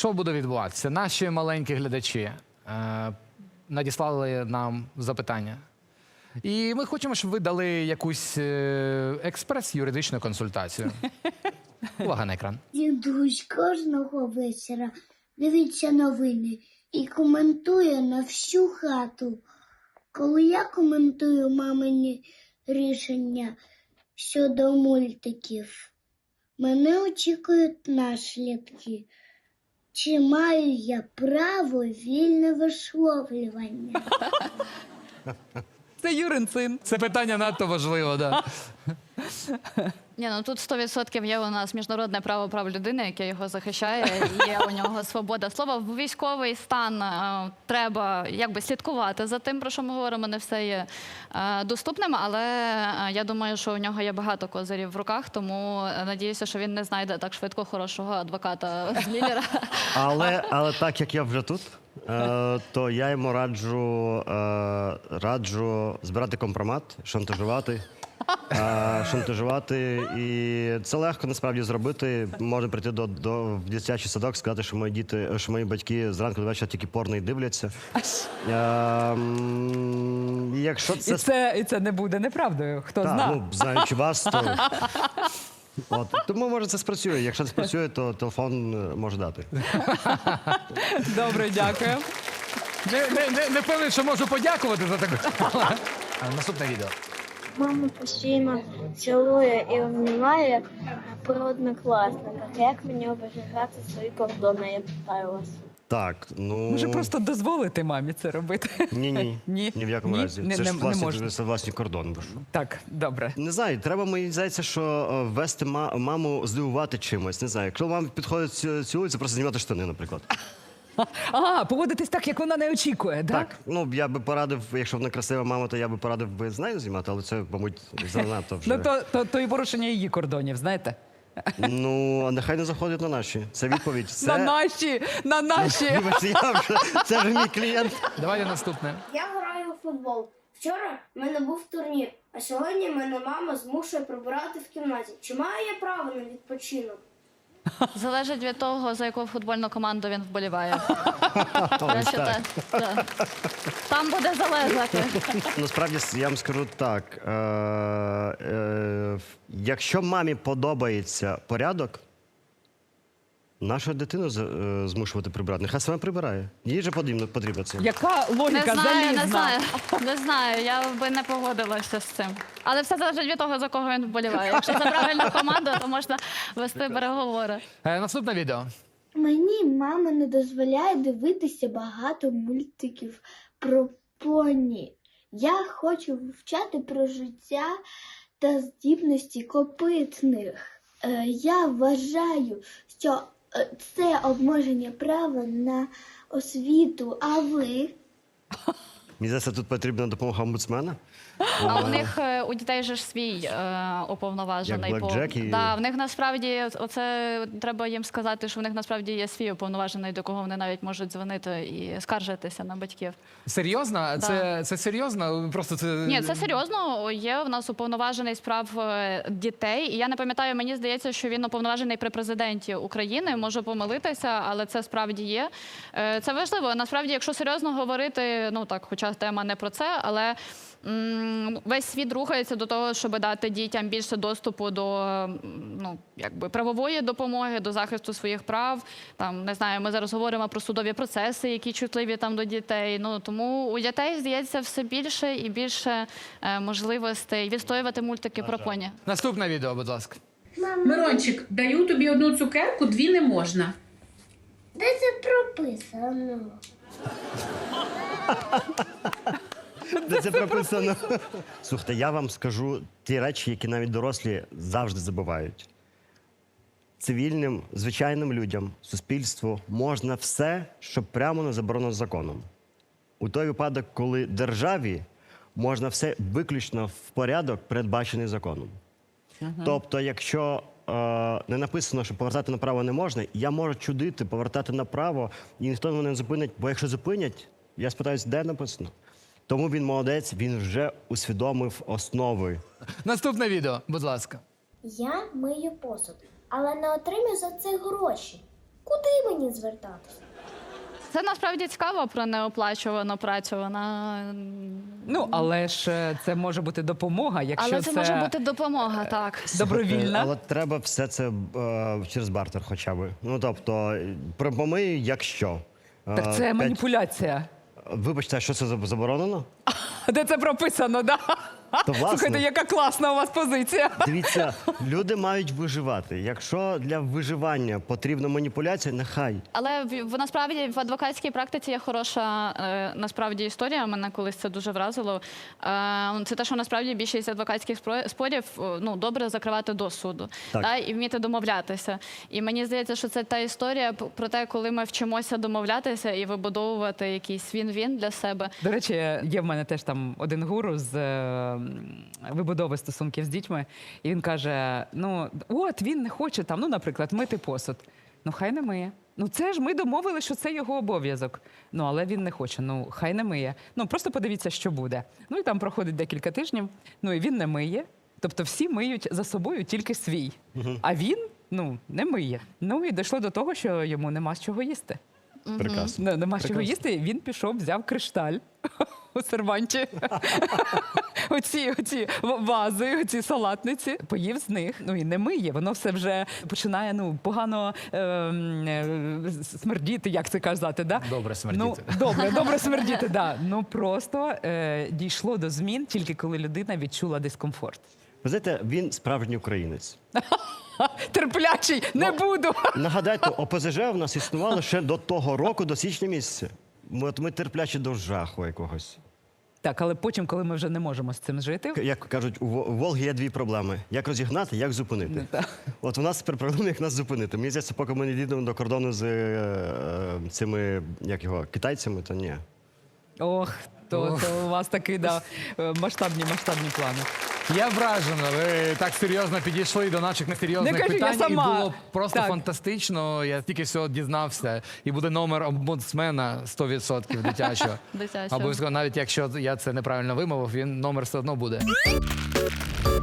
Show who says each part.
Speaker 1: що буде відбуватися? Наші маленькі глядачі надіслали нам запитання. І ми хочемо, щоб ви дали якусь експрес-юридичну консультацію. Увага на екран.
Speaker 2: Дідусь кожного вечора дивиться новини і коментує на всю хату. Коли я коментую мамині рішення щодо мультиків, мене очікують наслідки. Чи маю я право вільне висловлювання?
Speaker 3: Це Юрин син.
Speaker 1: Це питання надто важливо, да.
Speaker 4: Ні, ну тут 100% є у нас міжнародне право прав людини, яке його захищає, є у нього свобода слова. В військовий стан треба якби слідкувати за тим, про що ми говоримо, не все є доступним, але я думаю, що у нього є багато козирів в руках, тому надіюся, що він не знайде так швидко хорошого адвоката з Міллера.
Speaker 5: Але так як я вже тут, то я йому раджу збирати компромат, шантажувати. І це легко насправді зробити. Можна прийти в дитячий садок, сказати, що мої батьки зранку до вечора тільки порно і дивляться. Якщо це...
Speaker 3: І це не буде неправдою, хто знає.
Speaker 5: Ну, знаючи вас, то... Тому, може, це спрацює. Якщо це спрацює, то телефон може дати.
Speaker 3: Добре, дякую.
Speaker 1: Не певний, що можу подякувати за таку. Наступне відео.
Speaker 2: Мама постійно цілує і обнімає про однокласника. Як мені оберігати свої кордони, я питаю вас?
Speaker 5: Так, ну...
Speaker 3: Може просто дозволити мамі це робити?
Speaker 5: Ні. Ні в якому разі. Це ж власні кордони.
Speaker 3: Так, добре.
Speaker 5: Не знаю, треба, мені здається, що вести маму здивувати чимось. Не знаю, якщо мама підходить цілується, просто знімати штани, наприклад.
Speaker 3: Поводитись так, як вона не очікує, так?
Speaker 5: Так, ну я би порадив, якщо вона красива мама, то я би порадив з нею знімати, але це, мабуть, занадто вже.
Speaker 3: Ну, то і порушення її кордонів, знаєте?
Speaker 5: Ну, а нехай не заходить на наші. Це відповідь.
Speaker 3: На наші!
Speaker 5: Це ж мій клієнт.
Speaker 1: Давайте наступне.
Speaker 2: Я граю у футбол. Вчора в мене був турнір, а сьогодні мене мама змушує прибирати в кімнаті. Чи маю я право на відпочинок?
Speaker 4: Залежить від того, за яку футбольну команду він вболіває. Там буде залежати.
Speaker 5: Насправді, я вам скажу так. Якщо мамі подобається порядок, нашу дитину змушувати прибирати. Нехай сама прибирає. Їй же потрібно це.
Speaker 3: Яка логіка залізна?
Speaker 4: Не знаю, я би не погодилася з цим. Але все залежить від того, за кого він вболіває. Якщо за правильну команду, то можна вести переговори.
Speaker 1: Наступне відео.
Speaker 2: Мені мама не дозволяє дивитися багато мультиків про поні. Я хочу вивчати про життя та здібності копитних. Я вважаю, що це обмеження права на освіту, а ви?
Speaker 5: Мені здається, тут потрібна допомога омбудсмена.
Speaker 4: А у них, у дітей же ж свій уповноважений.
Speaker 5: Як Блекджек і...
Speaker 4: Да, в них насправді, оце треба їм сказати, що в них насправді є свій уповноважений, до кого вони навіть можуть дзвонити і скаржитися на батьків.
Speaker 1: Серйозно?
Speaker 4: Да.
Speaker 1: Це серйозно? Просто це...
Speaker 4: Ні, це серйозно. Є в нас уповноважений з прав дітей. І я не пам'ятаю, мені здається, що він уповноважений при президенті України. Можу помилитися, але це справді є. Це важливо. Насправді, якщо серйозно говорити, ну так, хоча тема не про це, але весь світ рухається до того, щоб дати дітям більше доступу до правової допомоги, до захисту своїх прав. Там, не знаю, ми зараз говоримо про судові процеси, які чутливі там до дітей. Тому у дітей, здається, все більше і більше можливостей відстоювати мультики про поні.
Speaker 1: Наступне відео, будь ласка.
Speaker 6: Мирончик, даю тобі одну цукерку, дві не можна.
Speaker 2: Де це прописано?
Speaker 5: Де це прописано? Слухайте, я вам скажу ті речі, які навіть дорослі завжди забувають. Цивільним, звичайним людям, суспільству можна все, що прямо не заборонено законом. У той випадок, коли державі можна все виключно в порядок, передбачений законом. Тобто, якщо не написано, що повертати направо не можна, я можу чудити, повертати направо, і ніхто мене не зупинить, бо якщо зупинять, я спитаюсь, де написано. Тому він молодець, він вже усвідомив основи.
Speaker 1: Наступне відео, будь ласка.
Speaker 2: Я мию посуд, але не отримую за це гроші. Куди мені звертатися?
Speaker 4: Це насправді цікаво про неоплачувану працю. Вона
Speaker 3: Ну, але ж це може бути допомога, якщо
Speaker 4: але це може бути допомога, так.
Speaker 3: добровільна.
Speaker 5: Але треба все це через бартер хоча б. Ну, тобто, помий, якщо.
Speaker 3: Так це маніпуляція.
Speaker 5: Вибачте, а що це заборонено?
Speaker 3: Де це прописано, да?
Speaker 5: То, власне.
Speaker 3: Слухайте, яка класна у вас позиція.
Speaker 5: Дивіться, люди мають виживати. Якщо для виживання потрібна маніпуляція, нехай.
Speaker 4: Але насправді в адвокатській практиці є хороша насправді історія. Мене колись це дуже вразило. Це те, що насправді більшість адвокатських спорів ну, добре закривати до суду,
Speaker 5: Так.
Speaker 4: та, і вміти домовлятися. І мені здається, що це та історія про те, коли ми вчимося домовлятися і вибудовувати якийсь він-він для себе.
Speaker 3: До речі, є в мене теж там один гуру з вибудови стосунків з дітьми, і він каже: ну, от він не хоче там, ну, наприклад, мити посуд. Ну, хай не миє. Ну, це ж ми домовили, що це його обов'язок. Ну, але він не хоче, ну, хай не миє. Ну, просто подивіться, що буде. Ну, і там проходить декілька тижнів, ну, і він не миє. Тобто всі миють за собою тільки свій. А він, ну, не миє. Ну, і дійшло до того, що йому нема з чого їсти.
Speaker 5: Прекрасно.
Speaker 3: Нема з чого їсти, і він пішов, взяв кришталь у серванті. оці вази, оці салатниці, поїв з них. Ну і не миє, воно все вже починає ну, погано смердіти, як це казати, да?
Speaker 1: Добре смердіти.
Speaker 3: Ну, добре смердіти, да. Ну просто дійшло до змін тільки коли людина відчула дискомфорт.
Speaker 5: Ви знаєте, він справжній українець.
Speaker 3: Терплячий, не буду.
Speaker 5: Нагадайте, ОПЗЖ в нас існувало ще до того року, до січня місяця. Ми терплячі до жаху якогось.
Speaker 3: Так, але потім, коли ми вже не можемо з цим жити,
Speaker 5: Як кажуть, у Волги є дві проблеми: як розігнати, як зупинити. От у нас тепер проблема, як нас зупинити. Мені здається, поки ми не дійдемо до кордону з цими, як його, китайцями, то ні.
Speaker 3: ох, то у вас такі да, масштабні плани.
Speaker 1: Я вражена. Ви так серйозно підійшли до наших несерйозних
Speaker 3: Не кажи, я
Speaker 1: питань. І
Speaker 3: сама.
Speaker 1: було просто
Speaker 3: Так.
Speaker 1: фантастично. Я тільки всього дізнався. І буде номер омбудсмена 100% дитячого.
Speaker 4: Дитячого.
Speaker 1: Обов'язково, навіть якщо я це неправильно вимовив, він номер все одно буде.